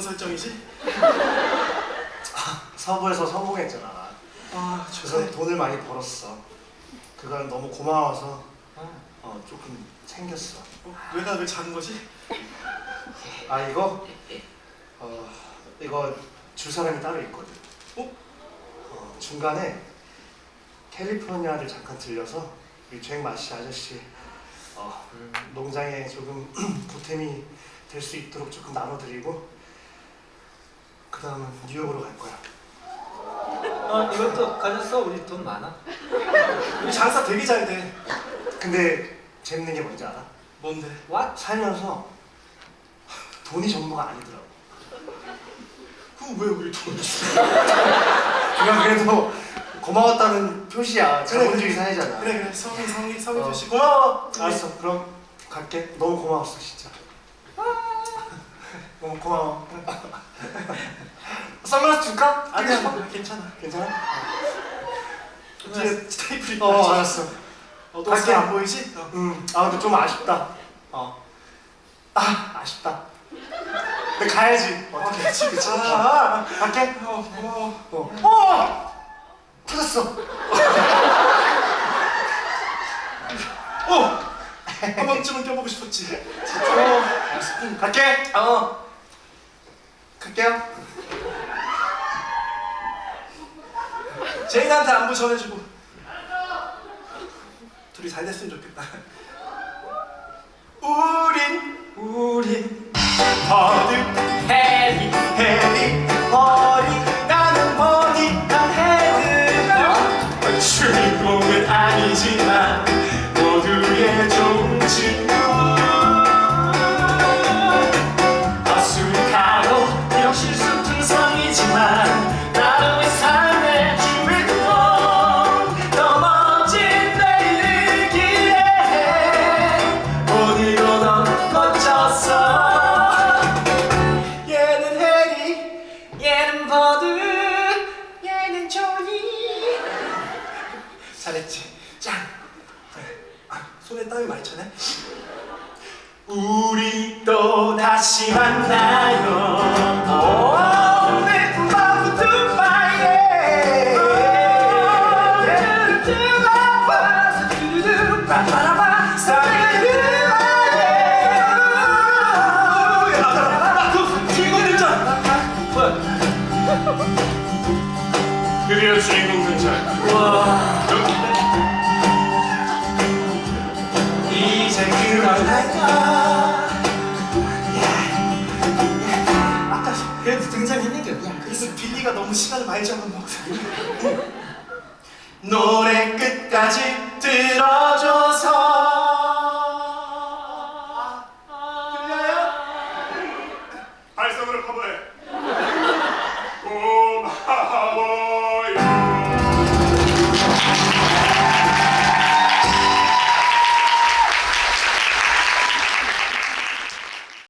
설정이지? 서부에서 성공했잖아. 아, 그래서 돈을 많이 벌었어. 그건 너무 고마워서 조금 챙겼어. 왜가 왜 작은 거지? 아 이거? 이거 줄 사람이 따로 있거든. 중간에 캘리포니아를 잠깐 들려서 우리 잭마시 아저씨 농장에 조금 보탬이 될 수 있도록 조금 나눠드리고 그 다음은 뉴욕으로 갈 거야. 이것도 가졌어? 우리 돈 많아. 우리 장사 되게 잘 돼. 근데 재밌는 게 뭔지 알아? 뭔데? What? 살면서 돈이 전부가 아니더라고. 그럼 왜 우리 돈 줘? 그냥 그래도 고마웠다는 표시야. 자본주의 사회잖아. 그래 성의 표시 고마워. 알았어. 그럼 갈게. 너무 고마웠어 진짜. 너무 고마워. 선글라스 줄까? 아니야 괜찮아. 괜찮아? 뒤에 스테이플이 알았어. 너 갈게. 안 보이지? 아 근데 좀 아쉽다. 아쉽다. 근데 가야지. 그치. 갈게. 고마워. 터졌어. 한 번쯤은 껴보고 싶었지. 알았어. 갈게. 갈게요. 제인한테 안부 전해주고. 둘이 잘 됐으면 좋겠다. 우린 버드 해리 버리 나는 버디 난 헤드 주인공은 아니지만 모두의 좋은 친구 어수룩하고 비록 실수투성이지만 나름의 삶의 주인공 더 멋진 내일을 기대해 오늘도 넌 멋졌어 얘는 해리 얘는 버드 얘는 조니 잘했지? 짱! 손에 땀이 많이 차네? 우리 또 다시 만나요 오늘 밤 두바이에 두두두바바바바바 주인공 등장! 드디어 주인공 등장. 와 이제 그만할까 아까 그래도 등장했는 게 없냐? 그래서 빌리가 너무 시간을 많이 잡아먹어서 노래 끝까지 들어줘서 들려요? 발성으로 커버해.